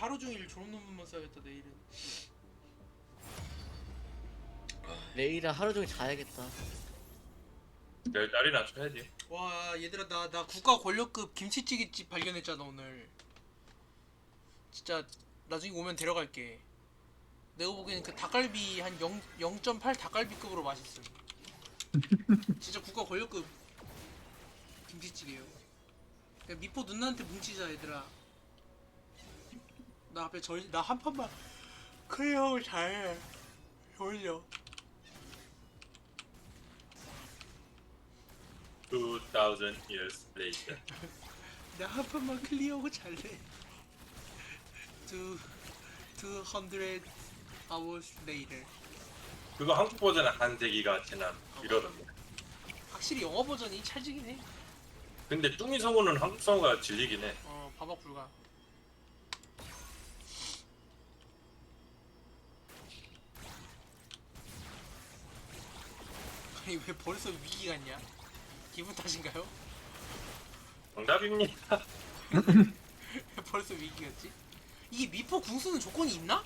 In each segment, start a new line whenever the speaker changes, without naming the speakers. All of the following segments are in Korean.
하루 종일 졸업 논문만 써야겠다 내일은.
내일은 하루 종일 자야겠다.
내일 날이나 쳐야지.
와 얘들아 나 국가 권력급 김치찌개집 발견했잖아 오늘. 진짜 나중에 오면 데려갈게. 내가 보기에는 그 닭갈비 한 0.8 닭갈비급으로 맛있음. 진짜 국가 권력급 김치찌개요. 그냥 미포 누나한테 뭉치자 얘들아. 나 앞에 나 한 판만 클리어 잘해. 올려.
2000 years later.
나 한 판만 클리어하고 잘래. 200 hours later.
그거 한국 버전은 한 세기가 지난 이러던데.
확실히 영어 버전이 찰지긴 해.
근데 뚱이 성우는 한국 성우가 질리긴 해.
바박 불가. 아니 왜 벌써 위기 같냐? 기분 탓인가요?
정답입니다.
왜 벌써 위기 같지? 이게 미포 궁수는 조건이 있나?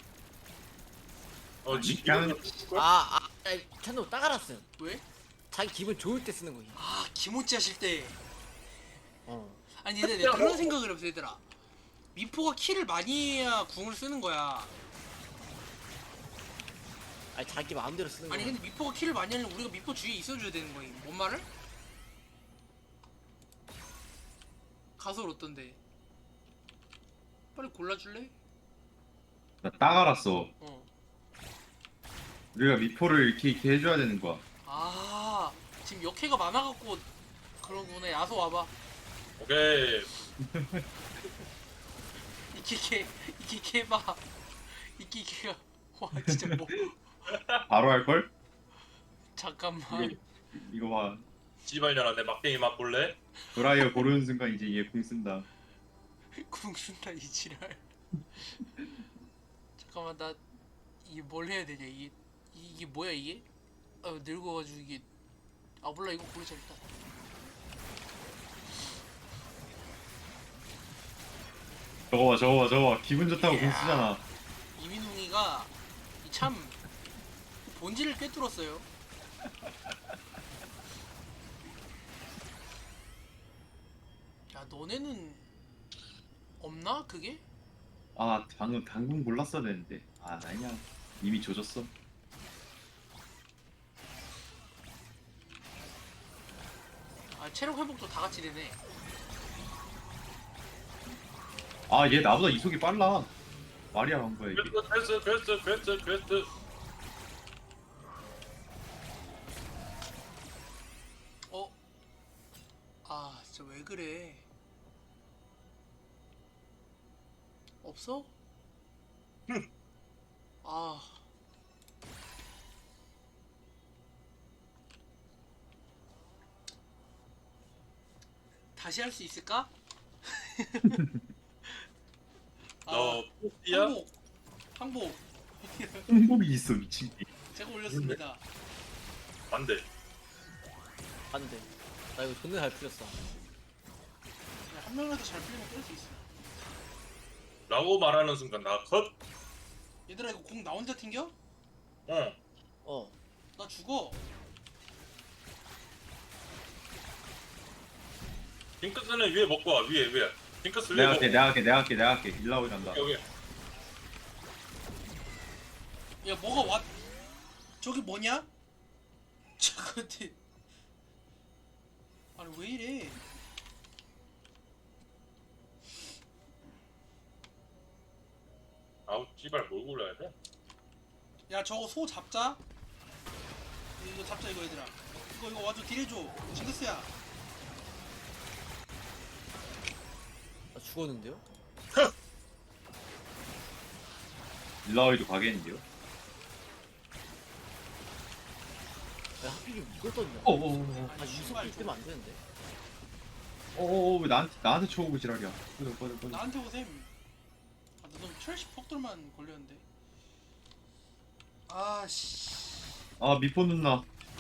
그냥
캔도 딱 알았음.
왜?
자기 기분 좋을 때 쓰는 거지.
아 기모찌 하실 때.
어.
아니 근데 내가 그런 생각을 해봤어 얘들아. 미포가 킬을 많이 해야 궁을 쓰는 거야.
아니 자기 마음대로 쓰는 거야.
아니 근데 미포가 킬을 많이 하려면 우리가 미포 주위에 있어줘야 되는 거임. 뭔 말을? 가설 어떤데? 빨리 골라줄래?
나 딱 알았어.
어.
우리가 미포를 이렇게 해줘야 되는 거야.
아 지금 역해가 많아갖고 그러구나. 야소 와봐.
오케이.
이키케 해봐. 이키케가 와 진짜 뭐
바로 할걸?
잠깐만.
이거 봐.
씨발년아 내 막대기 맛볼래?
드라이어 고르는 순간 이제 얘 궁 쓴다.
궁 쓴다 이 지랄. 잠깐만 나 이게 뭘 해야 되냐 이게 뭐야 이게? 늙어가지고 이게 몰라 이거 고르자 일단.
저거 봐. 기분 좋다고 궁 쓰잖아.
이민웅이가 참 본질을 꿰뚫었어요. 야 너네는 없나 그게?
아, 방금 당근 골랐어야 되는데. 아, 아니야. 이미 조졌어.
체력 회복도 다 같이 되네.
아, 얘 나보다 이속이 빨라. 말이 안 거야, 이게.
퀘스트.
진짜 왜 그래? 없어? 다시 할 수 있을까?
너 포스야?
항복.
행복이 있어, 미친 게.
제가 올렸습니다.
안 돼.
안 돼. 나 이거 존나 잘 풀렸어.
한 명이라도 잘 풀리면 깰 수 있어.
라고 말하는 순간 나 컷.
얘들아 이거 공 나 혼자 튕겨?
어.
나 죽어.
핑크스는 위에 먹고 와. 위에. 핑크스 위에
내가
먹고.
할게. 내가 할게. 일라오이 간다.
여기.
야 뭐가 왔? 저기 뭐냐? 저건데. 아니 왜 이래?
아우 씨발 뭘 골라야 돼?
야 저거 소 잡자. 이거 잡자 이거 얘들아. 이거 와줘 딜해줘. 징크스야.
나 죽었는데요?
일라오이도 가겠는데요?
야 하필이면 이걸 떴냐?
어어어.
유속기 뜨면 안 되는데.
왜 나한테 쳐오고 지랄이야. 꺼져.
나한테 오셈. 나 너무 철시 폭돌만 걸렸는데. 아씨.
아, 미포 누나.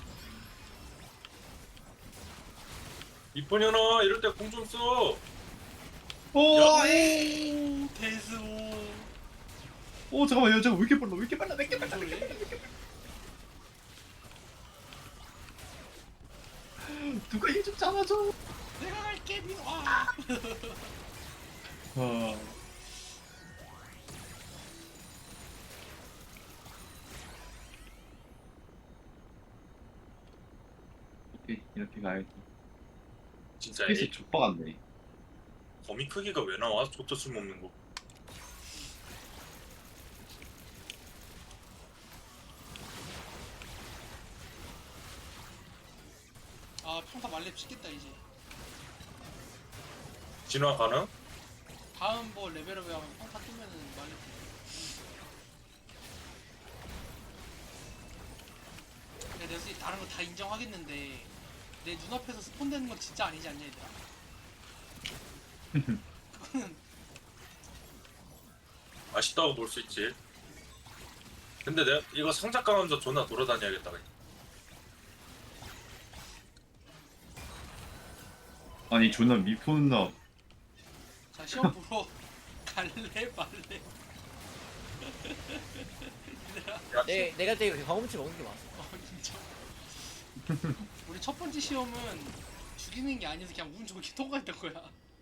이쁜년아 이럴 때 공 좀 써.
오,
대수.
오 잠깐만 야 잠깐 왜 이렇게 빨라 왜 이렇게 빨라 왜 이렇게 빨라
그래?
누가 얘 좀 잡아줘.
내가 갈게 민호. 아.
아. 이렇게 가야지.
진짜
스페이스
이
족박았네.
거미 크기가 왜 나와? 족저 쓸모없는 거.
아 평타 말렙 찍겠다 이제.
진화 가능?
다음 뭐 레벨업에 하면 평타 뜨면은 말렙. 내가 솔직히 다른 거 다 인정하겠는데 내 눈앞에서 스폰되는 건 진짜 아니지 않냐 얘들아. 그거는
아쉽다고 볼 수 있지. 근데 내가 이거 상자 까면서 존나 돌아다녀야겠다. 그냥.
아니 존나 미포나.
자 시험 보러 갈래 말래. 얘들아.
야,
내가 되게 경험치 먹는 게 많았어.
진짜. 우리 첫 번째 시험은 죽이는 게 아니어서 그냥 운 좋게 통과했던 거야.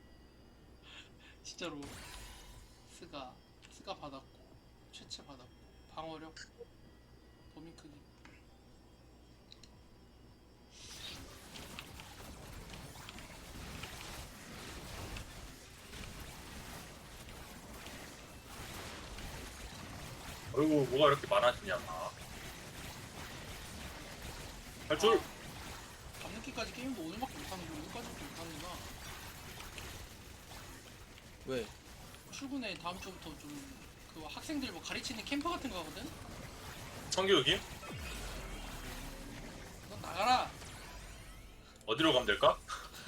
진짜로. 스가 받았고, 최체 받았고, 방어력, 범위 크기.
어이구 뭐가 이렇게 많아지냐. 할 줄.
밤늦게까지 게임도 오늘밖에 못하는 거, 오늘까지밖에 못하는구나.
왜?
출근해 다음 주부터 좀 그 학생들 뭐 가르치는 캠프 같은 거 하거든?
성교육이
너 나가라!
어디로 가면 될까?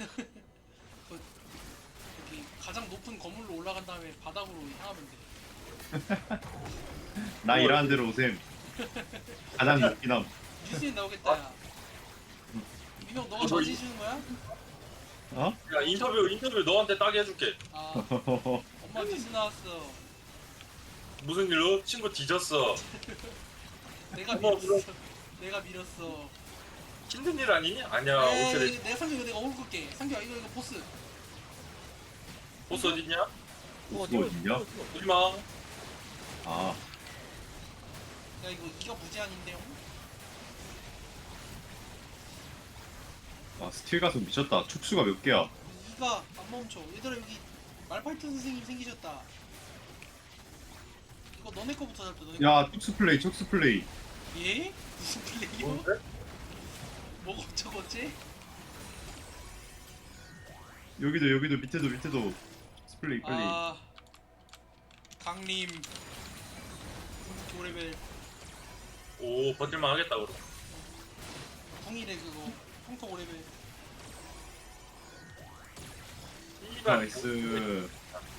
여기 가장 높은 건물로 올라간 다음에 바닥으로 향하면 돼.
나 일하는 대로 오셈. 가장 높긴 함.
뉴스에 나오겠다, 야. 민혁, 너가
뭐
저지해주는 거야?
어?
야 인터뷰 너한테 따게 해줄게.
아, 엄마 뉴스 나왔어.
무슨 일로? 친구 뒤졌어.
내가
어머,
밀었어. 내가 밀었어.
힘든 일 아니니? 아니야. 오늘의
에이, 내가 상규 이거 내가 어글 끌게. 상규야, 이거 보스.
보스 어딨냐?
뭐 어디냐?
오지마.
아
야, 이거 무제한인데요?
아, 스틸 가속 미쳤다. 촉수가 몇 개야?
이가 안 멈춰. 얘들아, 여기 말파이트 선생님 생기셨다. 이거 너네 거부터 잡자. 너네 거.
야, 촉수 플레이, 촉수 플레이.
예? 무슨 플레이요?
뭔데?
뭐가 어쩌고지?
여기도 밑에도 촉수 플레이 빨리.
아, 강림. 궁극기 오레벨.
오 버틸만 하겠다 그럼.
궁이래 그거. 평타 오레벨.
이발
나이스.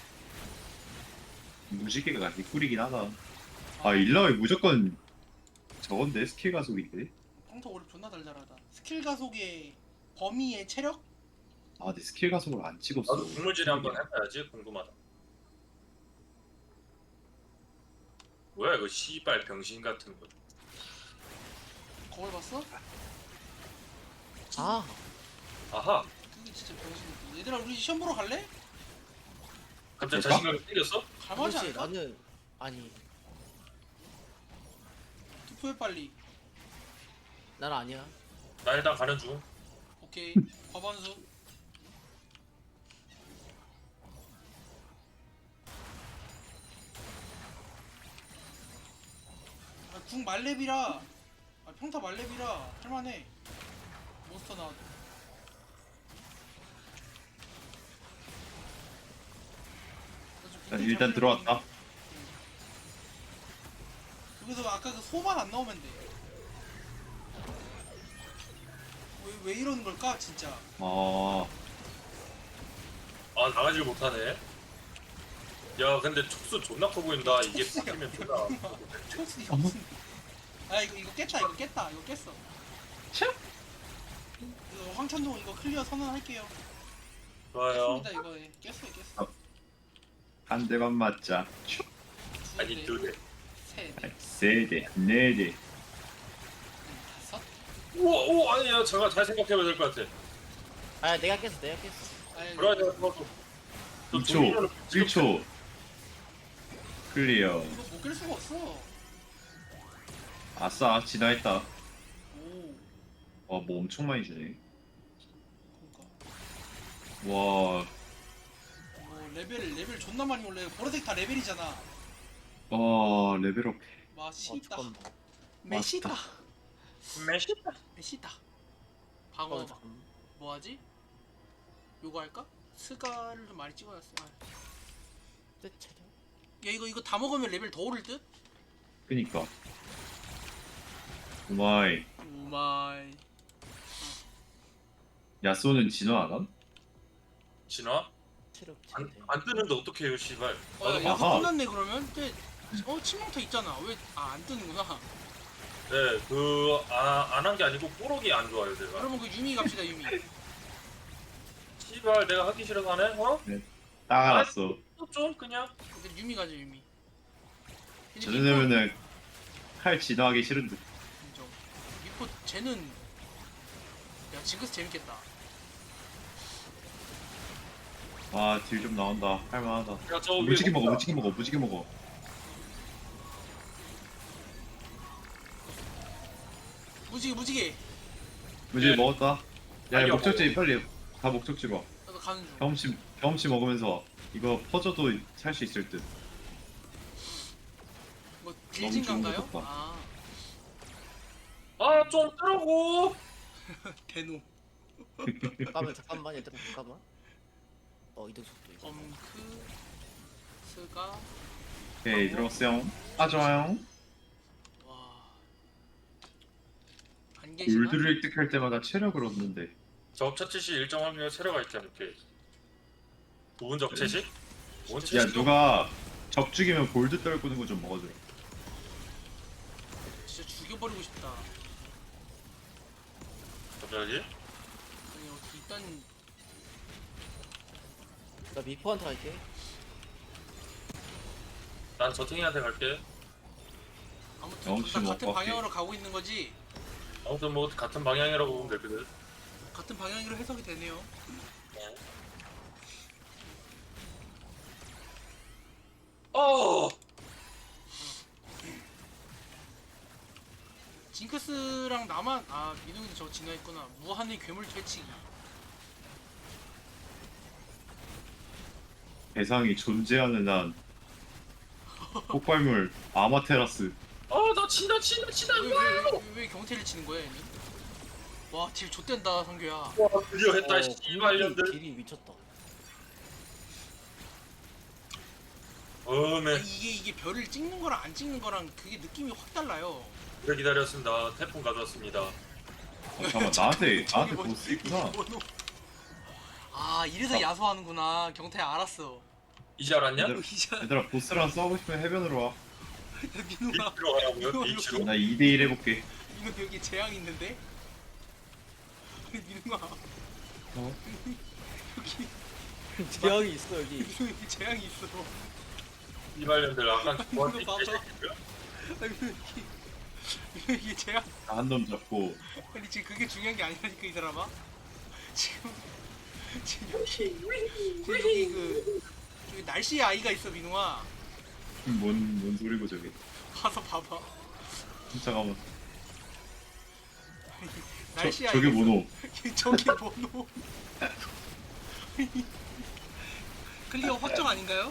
무지개가 개꿀이긴 하다. 아 일라웨 무조건 저건데 스킬 가속인데.
평타 오레벨 존나 달달하다. 스킬 가속의 범위의 체력?
아 근데 스킬 가속을 안 찍었어.
나도 국물질이 한번 해봐야지. 궁금하다. 뭐야 이거 씨발 병신 같은 거.
거울 봤어?
아,
아하.
그게 진짜 병신이다. 얘들아, 우리 시험 보러 갈래?
갑자기
그럴까?
자신감이 생겼어?
갈만하지
그렇지.
않을까?
나는 아니,
투표해 빨리.
난 아니야.
나 일단 가는 중.
오케이. 과반수. 아, 궁 말렙이라. 아, 평타 말렙이라 할만해. 몬스터 나와도.
자, 일단 들어왔다.
여기서 아까 그 소만 안 나오면 돼. 왜 이러는 걸까 진짜.
아
아 나가질 못하네. 야 근데 촉수 존나 커 보인다. 이게
촉수야.
바뀌면 존나.
초스 이거 무슨. 아 이거 깼다 이거 깼다 이거 깼어. 이거 황천동 이거 클리어 선언할게요.
좋아요.
깼습니다 이거. 깼어요 깼어.
한 대만 맞자.
아니 두 대.
세 대,
세대, 네대.
다섯.
우와 오 아니야 제가 잘 생각해봐야 될 것 같아.
아 내가 깼어.
아니,
브라이저 그것도
2초, 1초. 클리어.
이거 못 깰 수가 없어.
아싸, 진화했다.
오,
뭐 엄청 많이 주네.
그러니까.
와,
레벨 존나 많이 올래. 보라색 다 레벨이잖아.
레벨업.
맛있다.
잠깐만.
메시다.
메시다.
메시다. 방어.
잠깐만.
뭐하지? 요거 할까? 스가를 좀 많이 찍어놨어.
뜻 차려.
야 이거 다 먹으면 레벨 더 오를 듯?
그니까. 오마이.
오마이.
야쏘는 진화 안 함?
진화?
체력
안,
제대.
안 뜨는데 어떡해요 씨발. 나도
야,
아하.
끝났네 그러면? 근데 치명타 있잖아. 왜 안 뜨는구나.
네, 안 한 게 아니고 뽀록이 안 좋아요, 내가.
그러면 그 유미 갑시다 유미.
씨발, 내가 하기 싫어서 하네? 어?
딱 알았어.
또 좀, 그냥.
근데 유미 가자 유미. 근데
저 정도면은 칼 진화하기 싫은데.
인정. 미포 쟤는 야 징크스 재밌겠다.
아, 딜 좀 나온다. 할만하다.
야, 저 위에
무지개 먹어,
먹자.
무지개 먹어, 무지개 먹어.
무지개.
무지개
네.
먹었다. 야,
빨리
목적지 빨리 다 목적지로 와.
나도 가는 중.
경험치 먹으면서 이거 퍼져도 살 수 있을 듯.
뭐
너무
딜진가인가요?
좋은 것
아
아, 좀 뜨라고!
대노.
잠깐만 얘들아 잠깐만. 이동 속도 이거.
엄크 스가
오케이, 들어갔어요. 아, 좋아요.
와. 안 계시나?
골드를 획득할 때마다 체력을 얻는데.
적차치시 일정 확률의 체력가 있지 않을게. 부분 적체시? 뭔
야,
체시?
누가 적 죽이면 골드 떨구는 거 좀 먹어줘.
진짜 죽여버리고 싶다.
갑자기?
아니 어떻게 일단
나 미포한테 갈게.
난 저탱이한테 갈게.
아무튼
경험치
둘 다 같은
먹고
방향으로 가고 있는 거지.
아무튼 뭐 같은 방향이라고 보면 되거든.
같은 방향으로 해석이 되네요.
어!
징크스랑 나만 민웅이 저 진화했구나. 무한의 괴물 퇴치기.
대상이 존재하는 한 폭발물 아마테라스.
나 친다!
왜 경태를 치는 거야 얘는? 와 딜 좆된다 성규야.
와, 드디어 했다, 씨발년들.
딜이 미쳤다.
어메.
이게 별을 찍는 거랑 안 찍는 거랑 그게 느낌이 확 달라요.
오래 기다렸습니다. 태풍 가져왔습니다.
잠깐만, 나한테 보스 있구나.
뭐노? 이래서 야소하는구나. 경태야 알았어.
이제 알았냐?
얘들아,
이자
얘들아, 보스랑 싸우고 싶으면 해변으로 와.
민웅아
H로 가라고요? H로?
나 2대1 해볼게.
민웅 여기 재앙 있는데? 민웅아
어?
여기
재앙이 있어 여기.
민웅 여기 재앙이 있어.
이발년들 아까 저한테
이거 봐봐.
개새끼야?
민웅 여기 재앙.
한 놈 잡고.
아니 지금 그게 중요한 게 아니라니까 이 사람아. 지금 여기 저기 날씨의 아이가 있어 민웅아.
뭔 소리고 저게.
가서 봐봐.
잠깐만.
날씨의
저게
아이가
뭐노?
있어. 저게 뭐노? 클리어 확정 아닌가요?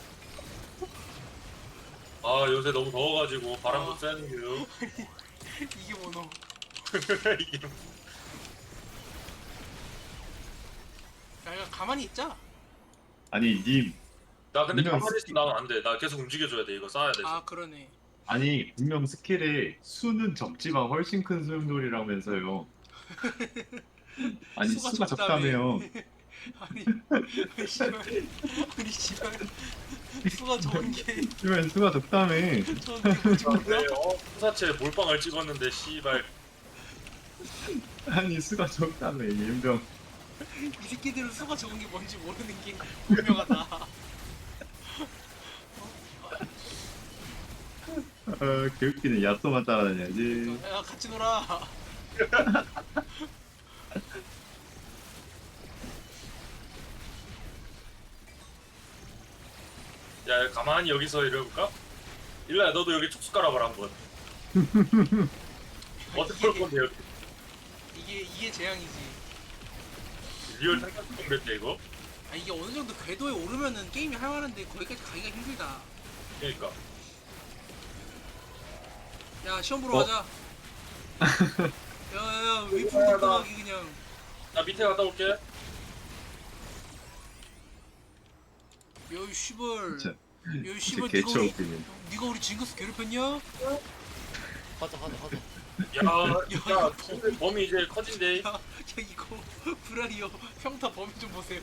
요새 너무 더워가지고 바람도
아.
쐬는 게요.
이게 뭐노?
이게
야 가만히 있자.
아니, 님.
나 근데
분명
가만히 있으면 나는 안 돼. 나 계속 움직여줘야 돼. 이거 쌓아야 돼.
그러네.
아니, 분명 스킬에 수는 적지만 훨씬 큰 소용돌이라면서요. 아니, 수가 적다며요.
아니 씨발 수가 적은 게
그러면 수가 적다며.
적은 게 뭐지 몰라?
네, 수사체 몰빵을 찍었는데 씨발.
아니, 수가 적다며, 연병.
이 새끼들은 수가 적은 게 뭔지 모르는 게 분명하다.
개웃기네. 야쏘만 따라다녀야지.
야 같이 놀아.
야 가만히 여기서 이러볼까? 일로야 너도 여기 촉수 깔아봐라 한번. 어떻게 볼 건데 여기?
이게 재앙이지.
리얼 상상성 맵대 이거?
아 이게 어느 정도 궤도에 오르면은 게임이 할만한데 거기까지 가기가 힘들다.
그러니까.
야 시험 보러
어?
가자. 야야야 위풍 덕하기 그냥.
나 밑에 갔다 올게.
여이 씨벌.
진짜
여이
진짜
씨벌
개처 웃기네.
니가 우리 징크스 괴롭혔냐?
가자.
야 범이 이제 커진대.
야 이거 브라이어 평타 범위 좀 보세요.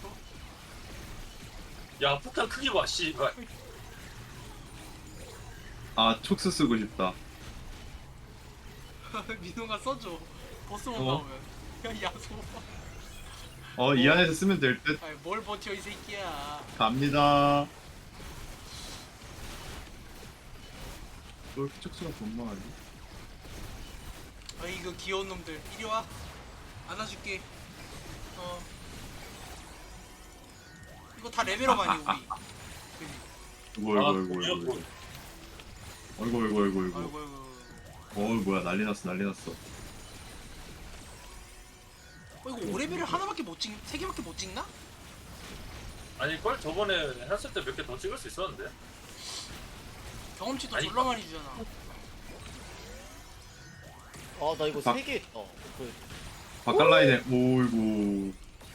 야 폭탄 크기 봐 씨발.
아 촉수 쓰고 싶다.
민호가 써줘. 보스만
어?
나오면. 야 야소.
이 안에서 쓰면 될 듯.
아이 뭘 버텨 이 새끼야.
갑니다. 왜 이렇게 촉수가 건망하지?
아 이거 귀여운 놈들 이리 와. 안아줄게. 이거 다 레벨업 아니 우리. 그지?
어이구
아,
어이구 어이구 어이구 어이구 어이구 어이구
아이고 아이고.
뭐야 난리 났어 난리 났어.
이거 5레벨을 하나밖에 못 찍, 3개밖에 못 찍나?
아닐걸? 저번에 했을 때 몇 개 더 찍을 수 있었는데.
경험치도
아니,
졸라 많이 주잖아.
아 나 이거
박-
3개 했다. 그
바깥 라인에 오이구.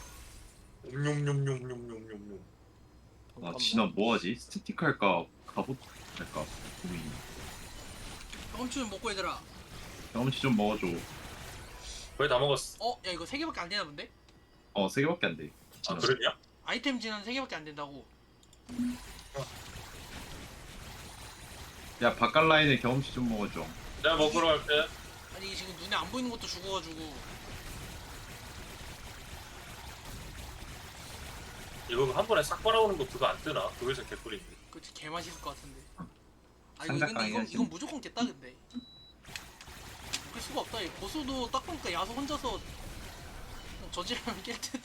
옴뇸뇸뇸뇸뇸뇸.
아 진아 뭐하지? 스태틱 할까 갑옷 할까 고민.
경험치 좀 먹고 얘들아.
경험치 좀 먹어줘.
거의 다 먹었어.
야 이거 3개밖에 안 되나 본데?
3개밖에 안 돼.
아 그랬냐?
아이템 진화는 3개밖에 안 된다고.
야 바깥 라인에 경험치 좀 먹어줘.
내가 먹으러 갈게.
아니 이게 지금 눈에 안 보이는 것도 죽어가지고.
이거 한 번에 싹 빨아오는 거 그거 안 뜨나? 그거에서 개꿀인데.
그치 개 맛있을 것 같은데. 아 이거
상작
근데 이건
강의하시네.
무조건 깼다 근데. 깰 수가 없다. 이 보스도 딱 보니까 야수 혼자서 저지르면 깰 듯.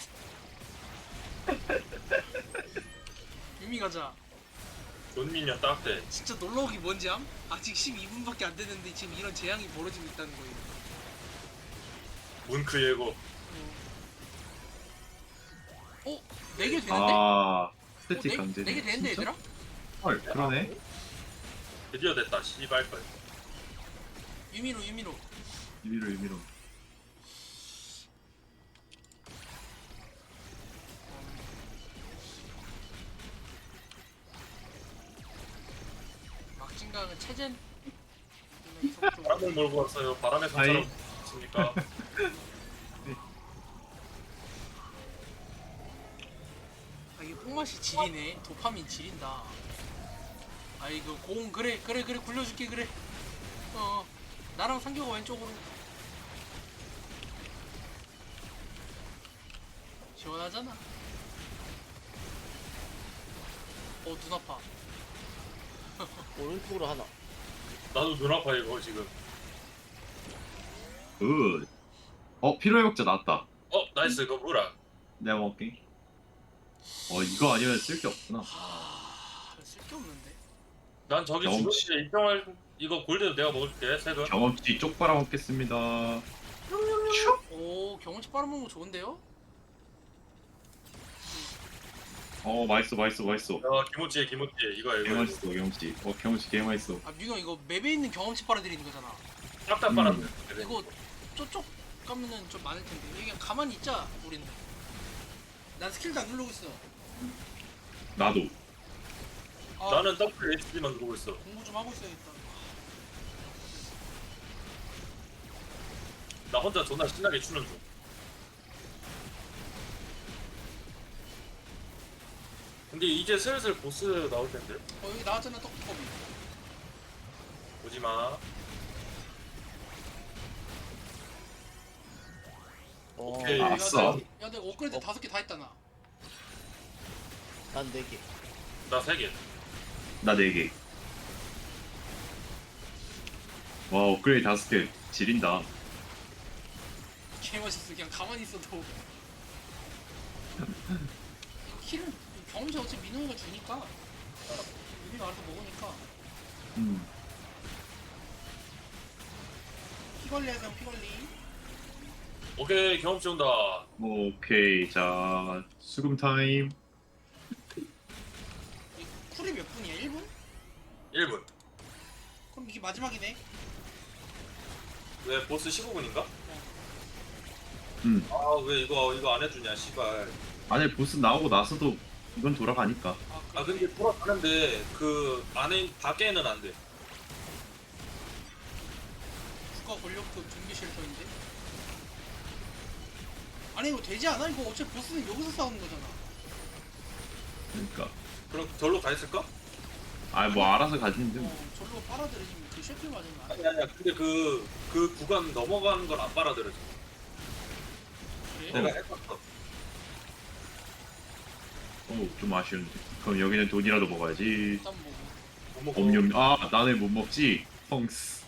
유미 가자.
존미년 딱대.
진짜 놀러오기 뭔지 암? 아직 12분밖에 안 됐는데 지금 이런 재앙이 벌어지고 있다는 거예요.
문크 예고.
어? 4개 되는데?
아 스태틱 강제.
4개 되는데 얘들아?
헐 그러네.
드디어 됐다. 씨발 걸.
유미로
유미로.
막진강은 체젠
바람을 몰고 왔어요. 바람의
아이.
상처럼 있습니까?
아 이게 뽕맛이 지리네. 도파민 지린다. 아 이거 공 그래 굴려줄게 그래. 나랑 상교가 왼쪽으로. 시원하잖아. 눈 아파.
오른쪽으로 하나.
나도 눈 아파 이거 지금.
굿. 피로회복제 나왔다.
나이스 이거 뭐라?
내가 먹을게. 이거 아니면 쓸 게 없구나.
쓸게 없는데.
난 저기
경험치.
주변에 입장할 이거 골드도 내가 먹을게. 세금.
경험치 쪽 빨아먹겠습니다.
오 경험치 빨아먹는 거 좋은데요?
맛있어.
김치 이거
개 맛있어 경험치. 경험치 개 맛있어.
아 민호 이거 맵에 있는 경험치 빨아들이는 거잖아.
싹다 빨았네.
이거 쪼쪽 까면은 좀 많을 텐데. 그냥 가만히 있자 우리는. 난 스킬도 안 누르고 있어.
나도.
나는 더블 HD만 누르고 있어.
공부 좀 하고 있어야겠다.
나 혼자 존나 신나게 추는 중. 근데 이제 슬슬 보스 나올 텐데.
여기 나왔잖아 떡볶이.
오지 마. 오케이.
아싸.
야 내가 업그레이드 5개 다 했다 나.
난 4개.
나 3개.
나 4개. 와 업그레이드 5개 지린다.
개 멋있어. 그냥 가만히 있어도. 킬은 경험치 어차피 민호이가 주니까. 우리가 알아서 먹으니까.
음.
피 관리하자 피 관리.
오케이 경험치 온다.
오케이 자 수금 타임.
이 쿨이 몇 분이야? 1분?
1분.
그럼 이게 마지막이네.
왜 보스 15분인가?
음.
아 왜 이거 안 해주냐 씨발.
안에 보스 나오고 나서도 이건 돌아가니까.
아 근데 돌아가는데 그 안에 밖에는 안 돼.
국가 권력급 준비 쉘터인데? 아니 이거 되지 않아? 이거 어차피 보스는 여기서 싸우는 거잖아.
그러니까
그럼 절로 가 있을까?
아 뭐 알아서 가지는데.
절로 빨아들이지 그 쉘터 맞으면 안 돼.
아니야. 근데 그 구간 넘어가는 걸 안 빨아들여줘.
그래?
내가 해봤어.
좀 아쉬운데. 그럼 여기는 돈이라도 먹어야지.
일단 뭐
못 먹어.
엄념. 아 나는 못 먹지. 펑스.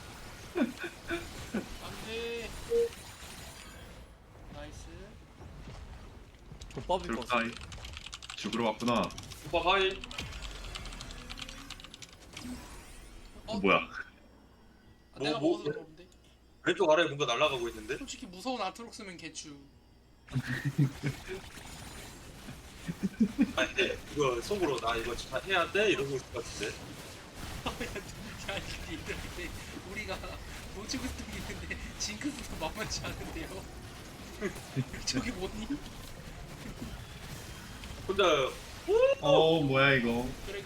안돼. 나이스.
족밥일 것 같아.
트럭타임. 죽으러 왔구나.
오빠 가이.
뭐야?
아, 내가
뭐?
먹어서 그런데.
왼쪽 아래에 뭔가 날아가고 있는데?
솔직히 무서운 아트록스면 개추.
아니 이거 속으로 나 이거 다 해야 돼? 이러고 있을 것 같은데.
야 이렇게 우리가 놓치고 있던 게 있는데 징크스도 만만치 않은데요. 저기 뭐니?
혼자
뭐야 이거?
그래.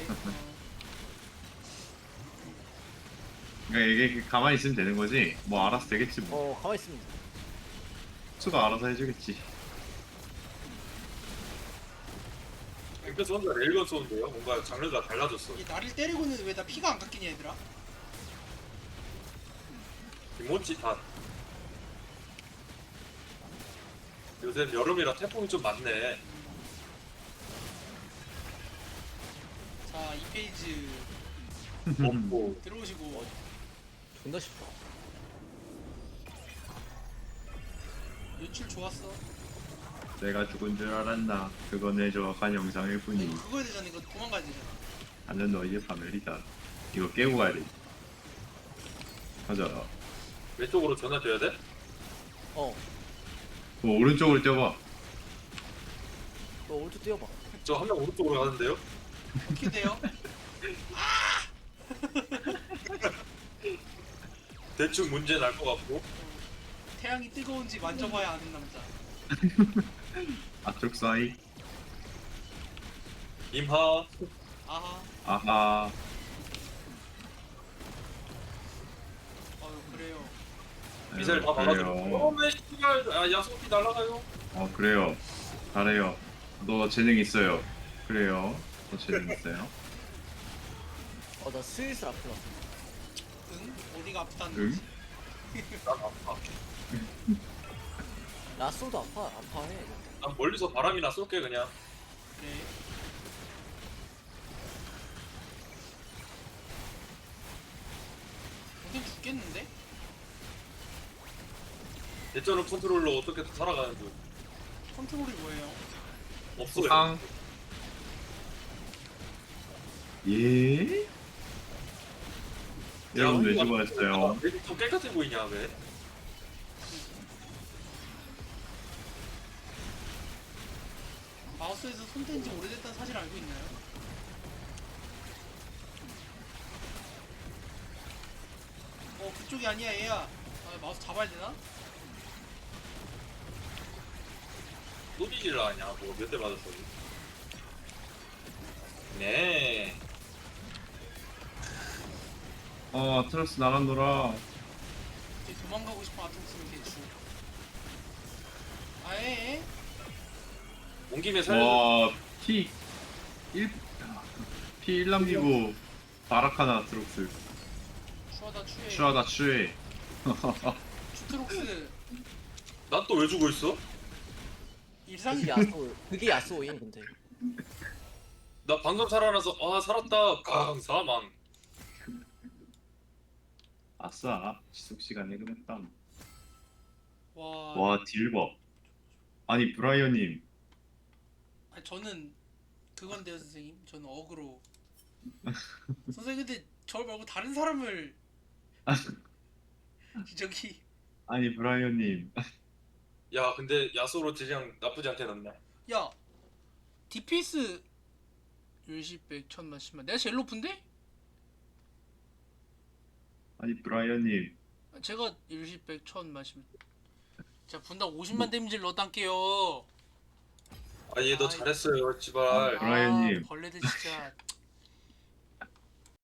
그러니까 이게 가만히 있으면 되는 거지. 뭐 알아서 되겠지 뭐.
가만히 있으면 돼.
수가 알아서 해주겠지.
그래서 혼자 레일건 쏘는데요? 뭔가 장르가 달라졌어.
이 나를 때리고는 왜 나 피가 안 깎이냐 얘들아?
김모찌 다. 요새 여름이라 태풍이 좀 많네.
자 2페이지
없고.
들어오시고.
존나 쉽다.
연출 좋았어.
내가 죽은 줄 알았나? 그건 내 정확한 영상일
이거
뿐이.
그거 해야 되잖아. 이거 도망가야 되잖아.
나는 너희의 파멸이다. 이거 깨고 가야 돼. 가자.
왼쪽으로 전화 줘야 돼?
뭐 오른쪽으로 뛰어봐.
너 오른쪽 뛰어봐.
저 한 명 오른쪽으로 가는데요?
어떻게 돼요?
대충 문제 날 것 같고.
태양이 뜨거운지 만져봐야 아는 남자.
앞쪽 사이.
임하.
아하.
아하.
그래요.
미사일 다
그래요.
막아주고. 왜 씨발 야소피 날아가요?
그래요. 잘해요. 너 재능 있어요. 그래요. 너 재능 있어요.
나 슬슬 아프다.
응? 어디가 아프다는
응?
거지?
난 아파.
라쏘도 아파해.
난 멀리서 바람이나 쏠게 그냥.
그래. 어딘 죽겠는데?
대전은 컨트롤러 어떻게 살아가는 중.
컨트롤이 뭐예요?
없어요.
상. 예? 여러분 왜 죽어했어요?
왜 좀 깨끗해 보이냐 왜?
마우스에서 손 뗀 지 오래됐다는 사실 알고 있나요? 그쪽이 아니야 얘야. 마우스 잡아야 되나?
또 뒤질라 하냐 뭐 몇 대 맞았어. 네.
트러스 나간노라.
이제 도망가고 싶어 아톰스는 개추. 아예?
온 김에 살려.
와, T 1 남기고 바라카나 트록스.
추하다 추해.
추하다 추해.
추트록스
난 또 왜 죽어 있어?
일상이야.
그게 야쏘인 근데.
나 방금 살아나서 살았다. 강 사망.
아싸 지속시간 해금했다.
와,
와 딜버. 아니 브라이언님
아니, 저는 그건데요 선생님. 저는 어그로. 선생님 근데 저 말고 다른 사람을 저기
아니 브라이언님
야 근데 야소로 딜량 나쁘지 않게 났네.
야 DPS 일시백 천만 십만 내가 제일 높은데?
아니 브라이언님
제가 일시백 천만 십만 자 분당 50만 데미지를 넣어단게요.
아 얘 너
아이.
잘했어요
아,
지발.
브라이언님.
벌레들 진짜